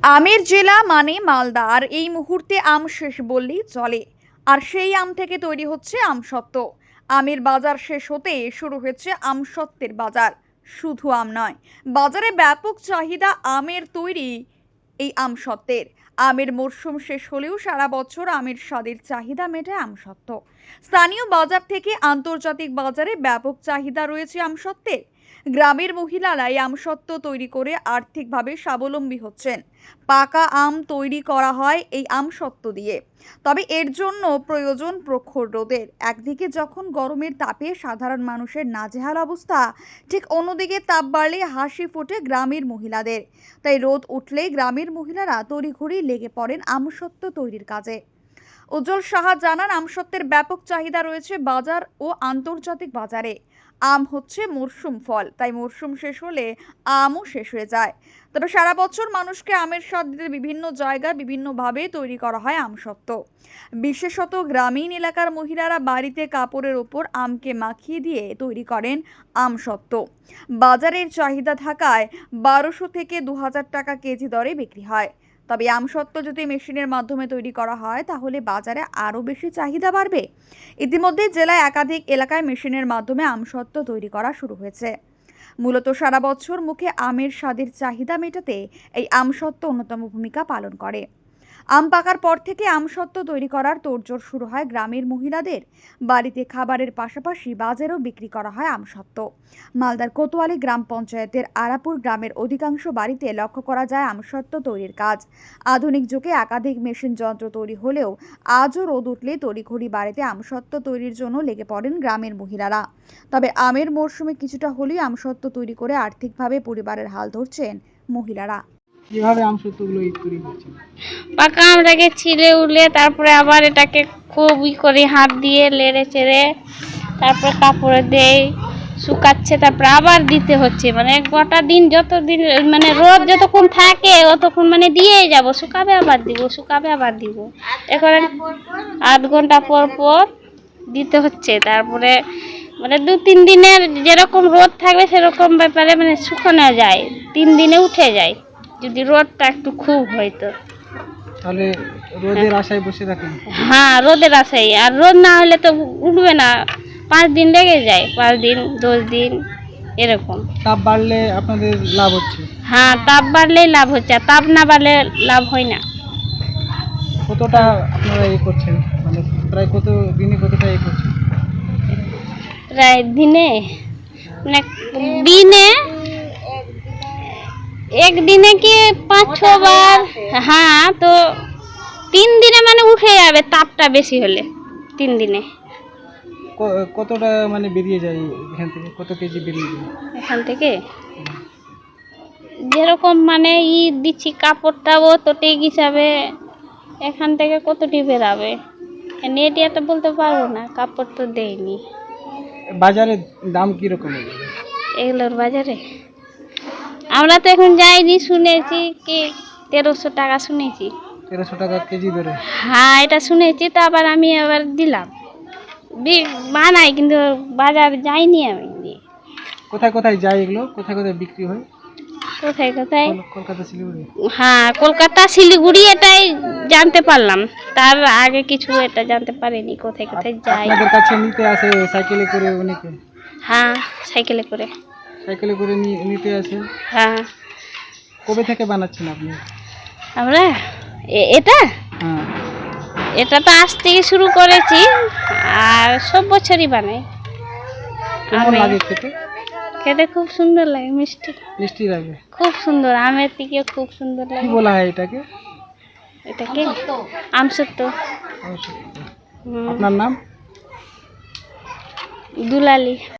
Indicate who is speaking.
Speaker 1: আমের জেলা মানে মালদা, আর এই মুহূর্তে আম শেষ বললেই চলে। আর সেই আম থেকে তৈরি হচ্ছে আমসত্ত্ব। আমের বাজার শেষ হতে শুরু হয়েছে আমসত্ত্বের বাজার। শুধু আম নয়, বাজারে ব্যাপক চাহিদা আমের তৈরি এই আমসত্ত্বের। আমের মরশুম শেষ হলেও সারা বছর আমের স্বাদের চাহিদা মেটায় আমসত্ত্ব। স্থানীয় বাজার থেকে আন্তর্জাতিক বাজারে ব্যাপক চাহিদা রয়েছে আমসত্ত্বের। গ্রামের মহিলারা এই আমসত্ত্ব তৈরি করে আর্থিকভাবে স্বাবলম্বী হচ্ছেন। পাকা আম তৈরি করা হয় এই আমসত্ত্ব দিয়ে, তবে এর জন্য প্রয়োজন প্রখর রোদের। একদিকে যখন গরমের তাপে সাধারণ মানুষের নাজেহাল অবস্থা, ঠিক অন্যদিকে তাপ বাড়লে হাসি ফোটে গ্রামের মহিলাদের। তাই রোদ উঠলেই গ্রামের মহিলারা তড়িঘড়ি লেগে পড়েন আমসত্ত্ব তৈরির কাজে। উজ্জ্বল সাহা জানান, আমসত্ত্বের ব্যাপক চাহিদা রয়েছে বাজার ও আন্তর্জাতিক বাজারে। আম হচ্ছে মরশুম ফল, তাই মরশুম শেষ হলে আমও শেষ হয়ে যায়। তবে সারা বছর মানুষকে আমের স্বাদ দিতে বিভিন্ন জায়গায় বিভিন্নভাবে তৈরি করা হয় আমসত্ত্ব। বিশেষত গ্রামীণ এলাকার মহিলারা বাড়িতে কাপড়ের ওপর আমকে মাখিয়ে দিয়ে তৈরি করেন আমসত্ত্ব। বাজারের চাহিদা থাকায় 1200 থেকে 2000 টাকা কেজি দরে বিক্রি হয়। তবে আমসত্ত্ব যদি মেশিনের মাধ্যমে তৈরি করা হয় তাহলে বাজারে আরও বেশি চাহিদা বাড়বে। ইতিমধ্যে জেলায় একাধিক এলাকায় মেশিনের মাধ্যমে আমসত্ত্ব তৈরি করা শুরু হয়েছে। মূলত সারা বছর মুখে আমের স্বাদের চাহিদা মেটাতে এই আমসত্ত্ব অন্যতম ভূমিকা পালন করে। আম পাকার পর থেকে আমসত্ত্ব তৈরি করার তোড়জোড় শুরু হয় গ্রামের মহিলাদের। বাড়িতে খাবারের পাশাপাশি বাজারেও বিক্রি করা হয় আমসত্ত্ব। মালদার কোতোয়ালি গ্রাম পঞ্চায়েতের আরাপুর গ্রামের অধিকাংশ বাড়িতে লক্ষ্য করা যায় আমসত্ত্ব তৈরির কাজ। আধুনিক যুগে একাধিক মেশিন যন্ত্র তৈরি হলেও আজও রোদ উঠলে তড়িঘড়ি বাড়িতে আমসত্ত্ব তৈরির জন্য লেগে পড়েন গ্রামের মহিলারা। তবে আমের মরশুমে কিছুটা হলেও আমসত্ত্ব তৈরি করে আর্থিকভাবে পরিবারের হাল ধরছেন মহিলারা।
Speaker 2: কিভাবে আমসত্ত্বগুলো তৈরি করছেন?
Speaker 3: পাকা আমটাকে ছিলে উলে তারপরে আবার এটাকে খুব করে হাত দিয়ে লেড়ে চেড়ে তারপরে কাপড়ে দেই, শুকাচ্ছে, তারপরে আবার দিতে হচ্ছে। মানে গোটা দিন যতদিন মানে রোদ যতক্ষণ থাকে অতক্ষণ মানে দিয়েই যাব, শুকাবে আবার দিব, শুকাবে আবার দিব। এখন 8 ঘন্টা পর পর দিতে হচ্ছে। তারপরে মানে 2-3 দিনের যেরকম রোদ থাকবে সেরকম ব্যাপারে মানে শুকানো যায়, 3 দিনে উঠে যায় যদি রোদটা একটু খুব হয়তো।
Speaker 2: তাহলে রোদের আশায় বসে থাকেন?
Speaker 3: হ্যাঁ, রোদের আশায়। আর রোদ না হলে তো উঠবে না, 5 দিন লেগে যায়, 5 দিন 10 দিন এরকম।
Speaker 2: তাপ বাড়লে আপনাদের লাভ হচ্ছে?
Speaker 3: হ্যাঁ, তাপ বাড়লেই লাভ হচ্ছে, আর তাপ না বাড়লে লাভ হয় না।
Speaker 2: কতটা আপনারা করছেন, মানে প্রায় কত দিনে কতটা করছেন?
Speaker 3: প্রায় দিনে মানে দিনে একদিনে কি 5-6 বার। হ্যাঁ, তো 3 দিনে মানে উঠে যাবে, তাপটা বেশি হলে 3 দিনে।
Speaker 2: কতটা মানে বেরিয়ে যায় এখান থেকে, কত কেজি বেরিয়ে যায়
Speaker 3: এখান থেকে? যেরকম মানে দিচ্ছি কাপড়টা ও তোটেক হিসাবে এখান থেকে কতটি বেরাবে নেট তো বলতে পারবো না, কাপড় তো দেয়নি।
Speaker 2: বাজারে দাম কিরকম
Speaker 3: এগুলোর বাজারে আমরা তো এখন যাইনি, শুনেছি কি 1300 টাকা শুনেছি।
Speaker 2: 1300 টাকা কেজি ধরে?
Speaker 3: হ্যাঁ, এটা শুনেছি। তো আবার আমি আবার দিলাম, বানাই, কিন্তু বাজার যাইনি আমি।
Speaker 2: কোথায় কোথায় যায় এগুলো, কোথায় কোথায় বিক্রি হয়?
Speaker 3: কোথায় কোথায়?
Speaker 2: কলকাতা, শিলিগুড়ি?
Speaker 3: হ্যাঁ, কলকাতা শিলিগুড়ি এটাই জানতে পারলাম, তার আগে কিছু এটা জানতে পারিনি কোথায় কোথায় যায়।
Speaker 2: আপনাদের কাছে নিতে আসে সাইকেলে করে অনেকে?
Speaker 3: হ্যাঁ, সাইকেলে করে।
Speaker 2: সাইকেলে করে নিতে আসে?
Speaker 3: হ্যাঁ।
Speaker 2: কবে থেকে বানাচ্ছেন আপনি?
Speaker 3: আমরা এটা
Speaker 2: হ্যাঁ,
Speaker 3: এটা তো আজ থেকে শুরু করেছি, আর সব বছরই বানাই।
Speaker 2: কেমন লাগে খেতে?
Speaker 3: খেতে খুব সুন্দর লাগে, মিষ্টি
Speaker 2: মিষ্টি লাগে?
Speaker 3: খুব সুন্দর, আমের থেকে খুব সুন্দর লাগে।
Speaker 2: কি বলা হয় এটাকে?
Speaker 3: এটাকে আমসত্ত্ব।
Speaker 2: আপনার নাম?
Speaker 3: দুলালি।